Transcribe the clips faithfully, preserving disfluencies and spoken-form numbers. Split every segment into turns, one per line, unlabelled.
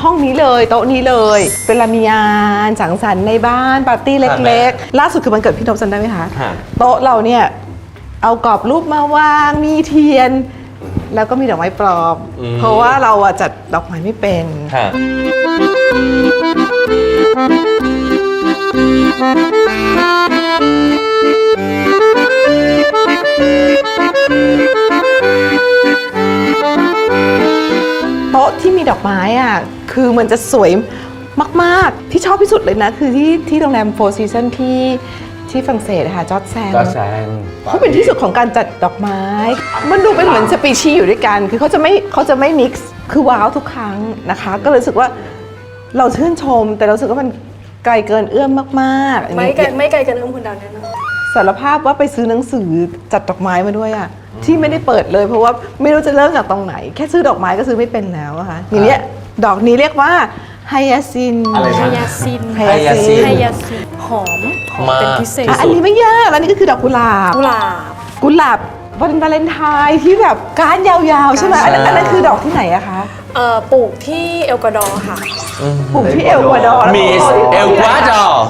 ห้องนี้เลยโต๊ะนี้เลยเวลามีงานสังสรรค์ในบ้านปาร์ตี้เล็กๆล่าสุดคือมันเกิดพี่นพจำได้ไหมคะโต๊ะเราเนี่ยเอากรอบรูปมาวางมีเทียนแล้วก็มีดอกไม้ปลอมเพราะว่าเราอะจัดดอกไม้ไม่เป็นโต๊ะที่มีดอกไม้อ่ะคือมันจะสวยมากๆที่ชอบที่สุดเลยนะคือที่ที่โรงแรม Four Seasons ที่ที่ฝรั่งเศสค่ะจอร์จแซงเขาเป็นที่สุดของการจัดดอกไม้มันดูเป็นเหมือนสปีชีส์อยู่ด้วยกันคือเขาจะไม่เขาจะไม่มิกซ์คือว้าวทุกครั้งนะคะก็เลยรู้สึกว่าเราชื่นชมแต่เรารู้สึกว่ามันไกลเกินเอื้อมมากๆ
ไม่ไกลไม่ไกลเกินเอื้อมคุณดาวแน่นอน
สารภาพว่าไปซื้อหนังสือจัดดอกไม้มาด้วยอะที่ไม่ได้เปิดเลยเพราะว่าไม่รู้จะเริ่มจากตรงไหนแค่ซื้อดอกไม้ก็ซื้อไม่เป็นแล้วอะค่ะทีนี้ดอกนี้เรียกว่าไฮยาซิน
ไฮยาซิน
ไฮยาซิน
ไฮยาซินหอมหอมเป็นพิเศษ
อันนี้ไม่ยากแล้วนี่ก็คือดอกกุหลาบ
กุหลาบ
กุหลาบวันวาเลนไทน์ที่แบบก้านยาวๆใช่ไหมอันนั้นคือดอกที่ไหนอะคะ
เอ่อปลูกที่เอลกวาดอร์ค่ะ
ปลูกที่เอลกวาดอร์
มิสเอลกวาดอร์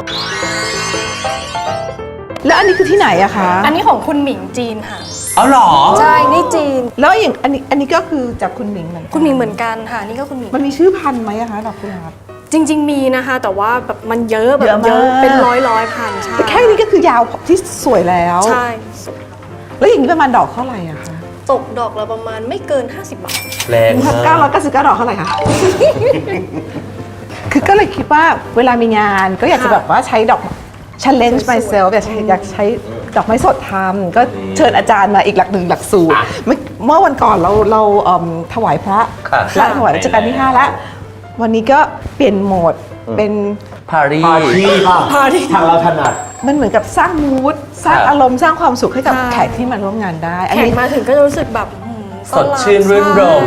แล้วอันนี้คือที่ไหนอะคะ
อันนี้ของคุณหมิงจีนค่ะ
เอาหรอ
ใช่นี่จีน
แล้วอย่างอันนี้อันนี้ก็คือจากคุณหมิงเหมือนกัน
คุณหมิงเหมือนกันค่ะนี่ก็คุณหมิง
มันมีชื่อพันธุ์ไหมอะคะดอกกุหลาบ
จริงๆมีนะคะแต่ว่าแบบมันเยอะแบบเยอะเป็นร้อยร้อยพันใช่
แต่แค่นี้ก็คือยาวที่สวยแล้ว
ใช่
แล้วอย่างนี้ประมาณดอกเท่าไหร่อะคะ
ตกดอกละประมาณไม่เกินห้าสิบบาท
แรงมาก
เก้าร้อยเก้าสิบเก้าดอกเท่าไหร่คะคือก็เลยคิดว่าเวลามีงานก็อยากจะแบบว่าใช้ดอกchallenge myself อยากอยากใช้ดอกไม้สดทำก็เชิญอาจารย์มาอีกหลักหนึ่งหลักสูตรเมื่อวันก่อนเราเราถวายพระและถวายรัชกาลที่ห้าแล้ววันนี้ก็เปลี่ยนโหมดเป็น
ปารี
ปารีทางเราถนัด
มันเหมือนกับสร้างมูดสร้างอารมณ์สร้างความสุขให้กับแขกที่มาร่วมงานได้
แขกมาถึงก็จะรู้สึกแบบ
สดชื่นรื่นรม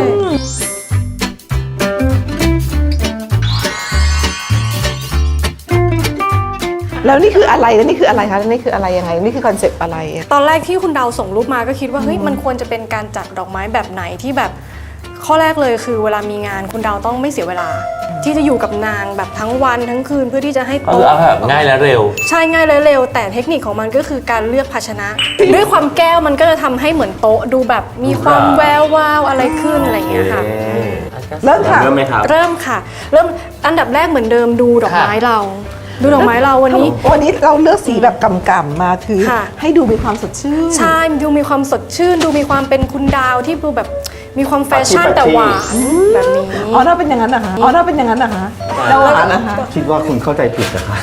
แล้วนี่คืออะไรแล้วนี่คืออะไรคะนี่คืออะไรยังไงนี่คือคอนเซปต์อะไร
ตอนแรกที่คุณดาวส่งรูปมาก็คิดว่าเฮ้ยมันควรจะเป็นการจัดดอกไม้แบบไหนที่แบบข้อแรกเลยคือเวลามีงานคุณดาวต้องไม่เสียเวลาที่จะอยู่กับนางแบบทั้งวันทั้งคืนเพื่อที่จะให้
โต๊ะเอาแบบง่ายและเร็ว
ใช่ง่ายและเร็วแต่เทคนิคของมันก็คือการเลือกภาชนะด้วยความแก้วมันก็จะทำให้เหมือนโต๊ะดูแบบมีความแวววาวอะไรขึ้นอะไรอย่างเงี้ยค่ะ
เริ่มค่ะ
เริ่มไหมครับ
เริ่มค่ะเริ่มอันดับแรกเหมือนเดิมดูดอกไม้เราดูดอกไม้เราวันนี้
วันนี้เราเลือกสีแบบกำๆมาคือให้ดูมีความสดชื่น
ใช่ดูมีความสดชื่นดูมีความเป็นคุณดาวที่ดูแบบมีความแฟชั่นแต่หวานแบบนี้
อ๋อถ้าเป็นอย่างนั้นนะคะอ๋อถ้าเป็นอย่างนั้นนะคะเราหวานนะคะ
คิดว่าคุณเข้าใจผิดนะคะ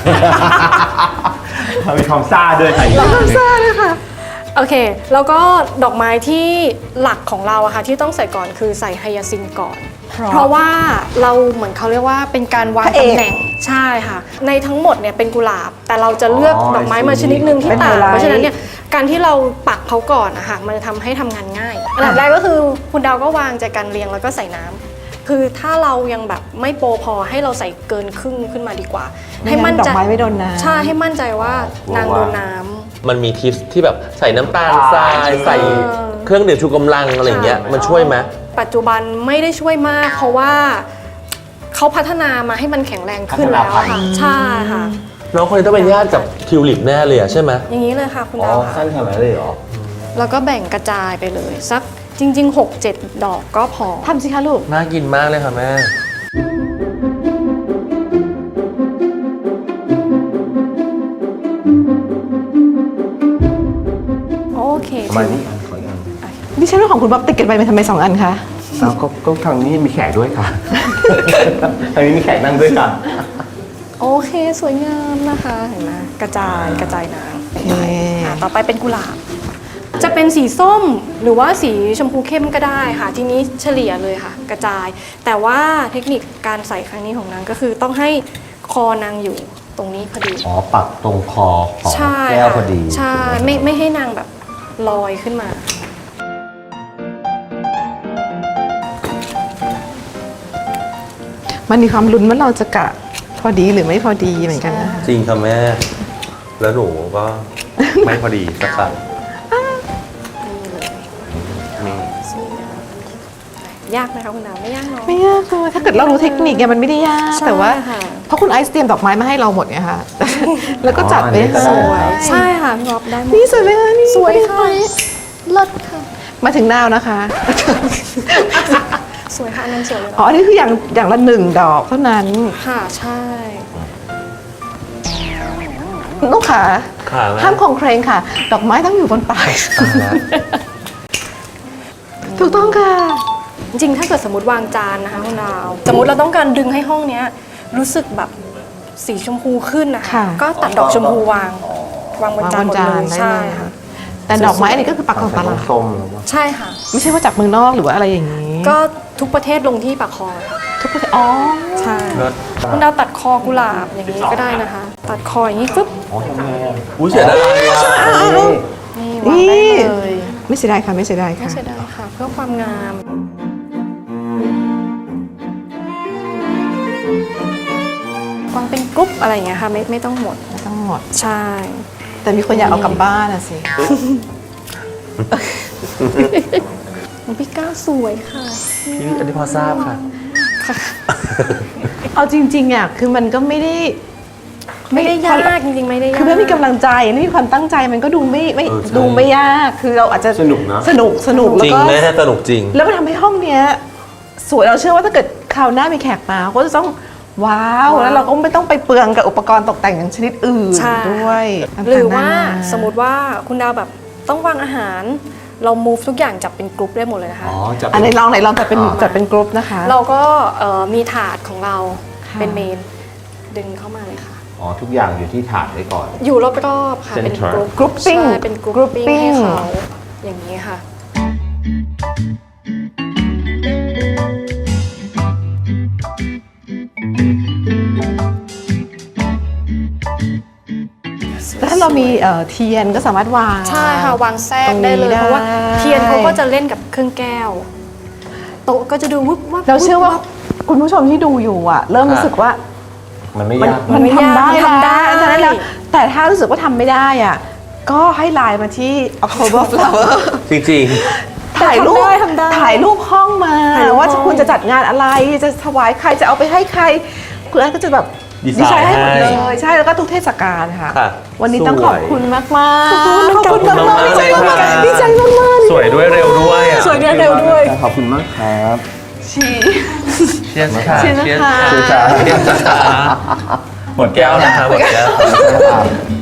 มีความซ่าด้วยค่ะ
มีความซ่าด้วยค่ะ
โอเคแล้วก็ดอกไม้ที่หลักของเราอะค่ะที่ต้องใส่ก่อนคือใส่ไฮยาซินก่อนเพราะว่าเราเหมือนเขาเรียกว่าเป็นการวางตำแหน่งใช่ค่ะในทั้งหมดเนี่ยเป็นกุหลาบแต่เราจะเลือกดอกไม้มาชนิดนึงที่ต่างเพราะฉะนั้นเนี่ยการที่เราปักเขาก่อนนะคะมันจะทำให้ทำงานง่ายอันดับแรกก็คือคุณดาวก็วางใจกันเรียงแล้วก็ใส่น้ำคือถ้าเรายังแบบไม่โปรพอให้เราใส่เกินครึ่งขึ้นมาดีกว่าให้มั่นใจ
ดอกไม้ไม่โดนน้ำ
ใช่ให้มั่นใจว่านางโดนน้ำ
มันมีทิปที่แบบใส่น้ำตาลทรายใส่เครื่องดื่มชูกำลังอะไรอย่างเงี้ยมันช่วยไหม
ปัจจุบันไม่ได้ช่วยมากเพราะว่าเขาพัฒนามาให้มันแข็งแรงขึ้นแล้วค่ะใช่ค่ะ
น้องคนนี้ต้องเป็นญาติกับทิวลิปแน่เลยใช่ไหม
อย่างนี้เลยค่ะคุณดาว
สั้นขนาดนั้นเลยเหรอ
แล้วก็แบ่งกระจายไปเลยสักจริงๆ หกเจ็ด ดอกก็พอ
ทำสิคะลูก
น่ากินมากเลยค่ะแม่
โอเค
มานี่อันขออีกอัน
ดิฉันว่าของคุณบ๊อบติดกันไปมันทำไมสองอันคะ
อ้าวก็ทางนี้มีแขกด้วยค่ะทางนี้มีแขกนั่งด้วยค่ะ
โอเคสวยงามนะคะเห็นไหมกระจายกระจายน้ำต่อไปเป็นกุหลาบจะเป็นสีส้มหรือว่าสีชมพูเข้มก็ได้ค่ะทีนี้เฉลี่ยเลยค่ะกระจายแต่ว่าเทคนิคการใส่ครั้งนี้ของนางก็คือต้องให้คอนางอยู่ตรงนี้พอดี
อ๋อปักตรงคอของแก้วพอดี
ใช่ไม่ไม่ให้นางแบบลอยขึ้นมา
มันมีความลุ้นว่าเราจะกะพอดีหรือไม่พอดีเหมือนกันนะคะ
จริงค่ะแม่แล้วหนูก็ไม่พอดีสักครั้ง
นี่ยากไหมคะคุณดาวไม่ยากเนาะ
ไม่ยากเลยถ้าเกิดเรารู้เทคนิคเนี่ยมันไม่ได้ยาก
ใช่
แต่ว่า
ค่ะ
เพราะคุณไอซ์เตรียมดอกไม้มาให้เราหมดไงคะแล้วก็จัดไปให้
ส
ส
ว
วย ย
ใช่ค่ะพี่บ๊อบได้หมด
นี่สวยไหมคะนี่
สวยค่ะเลิศค่ะ
มาถึงนาวนะคะ
สวยค่ะอันนั้นสวยเลย
อ๋อ
เนาะ
อันนี้คืออย่างอย่างละหนึ่งดอกเท่านั้น
ค่ะใช่
ลูกขา
ขาไหม
ห้ามคลองเครงค่ะ ดอกไม้ต้องอยู่บนปลายถูกต้องค่ะ
จริงๆถ้าเกิดสมมติวางจานนะคะคุณดาวสมมติเราต้องการดึงให้ห้องเนี้ยรู้สึกแบบสีชมพูขึ้นนะคะ
ค่ะ
ก็ตัดดอกชมพูวางวางบน
วาง
จาน
บน
หมด
จาน
เลย
ได้
ใช่
เลย
ค่ะ
ค่ะ แต่ดอกไม้อันนี้ก็คือปักของตลาด
ส้มๆหรือว่า
ใช่ค่ะ
ไม่ใช่ว่าจากเมืองนอกหรือว่าอะไรอย่างนี้
ก็ทุกประเทศลงที่ปากคอค่ะ
ทุกประเทศอ๋อ
ใช่
เลิศ
คุณดาวตัดคอกุหลาบอย่างนี้ก็ได้นะคะ ตัดคออย่างนี้ฟึ๊บ
อ๋อทำไงอ่ะ
อุ้ยเสียดายอ่ะ
นี่วางได้เลย
ไม่เสียดายค่ะไม่เสียดาย
ไม่
ค่ะ
เสียดายค่ะ เพื่อความงามวางเป็นกรุ๊ปอะไรอย่างเงี้ยค่ะไม่ไม่ต้องหมด
ไม่ต้องหมด
ใช่
แต่มีคนอยากเอากลับบ้านอะสิ
ของพี่ก้าวสวยค่ะ
พี่อันนี้พอทราบค่ะ
เอาจริงๆอ่ะคือมันก็ไม่ได้
ไม่ได้ยากจริงๆไม่ได้ยาก
คือไม่มีกำลังใจไม่มีความตั้งใจมันก็ดูไม่ไม่
เออใช่
ดูไม่ยากคือเราอาจจะ
สนุกนะ
สนุกสนุก
จ
แล้ว
ริง
ก็
แม่สนุกจริง
แล้วมันทำให้ห้องเนี้ยสวยเราเชื่อว่าถ้าเกิดคราวหน้ามีแขกมาก็จะต้องว้าวแล้วเราก็ไม่ต้องไปเปลืองกับอุปกรณ์ตกแต่งอย่างชนิดอื่น
ใช่
ด้วย
หรือว่า
ต่งๆนน
สมมติว่าคุณดาวแบบต้องวางอาหาร เรา move ทุกอย่างจับเป็นกรุ๊ปได้หมดเลยนะคะ
อ๋อจะ
อันไหนลองไหนลองจัดเป็นจัดเป็นกรุ๊ปนะคะ
เราก็เอ่อมีถาดของเรา
ค่ะ
เป็นเมนดึงเข้ามาเลยค่ะ
อ๋อทุกอย่างอยู่ที่ถาดไว้ก่อน
อยู่รอบๆค่ะ เป็น
Center
กรุ๊ป
grouping
ใช่เป็นกรุ๊ปปิ้ง
grouping
ให้เขาอย่างนี้ค่ะ
แต่ถ้าเรามีเอ่อเทียนก็สามารถวาง
ใช่ค่ะ วางแทรก
ตรงนี้
ได้เลย
ได้
เพราะว่าเทียนเขาก็จะเล่นกับเครื่องแก้ว โต๊ะก็จะดูวุบวับ
เราเชื่อว่า
วุบ
คุณผู้ชมที่ดูอยู่อ่ะ เริ่มรู้สึกว่า
มันไม่
มัน
ยาก
มัน
ไม่
ทำ
ยาก
ได้
มันทำได้
ฉะนั้นแล้วแต่ถ้ารู้สึกว่าทำไม่ได้อ่ะก็ให้ไลน์มาที่ October Flower
จริง
ถ่ายรูป
ทำได้ทำได้
ถ่ายรูปห้องมา
ถ่ายรูป
ว่า
ห้อง
คุณจะจัดงานอะไรจะถวายใครจะเอาไปให้ใครคุณอันก็จะแบบ
ดีไซน์
ให้หมดเล
ให้
ยใช่แล้วก็ทุกเทศกาลค่ะ
ค่ะ
วันนี้ต้อง
สวย
ขอบคุณมากมากๆ
ขอบคุณ
ขอบคุณมาก
ขอบคุณ
ๆดีใจมาก
มากๆ
ๆดีใจมากมาก
ๆ สวยด้วยเร็วด้วยอ่ะ
สวยเร็วๆด้วย
ขอบคุณมากครับ
ๆชี
เชียร์ค่ะ
เชียร์นะคะ
เชียร์ค่ะ
เชียร์ค่ะ
เชียร์ค่ะหมดแก้วนะคะหมดแก้ว
ครับ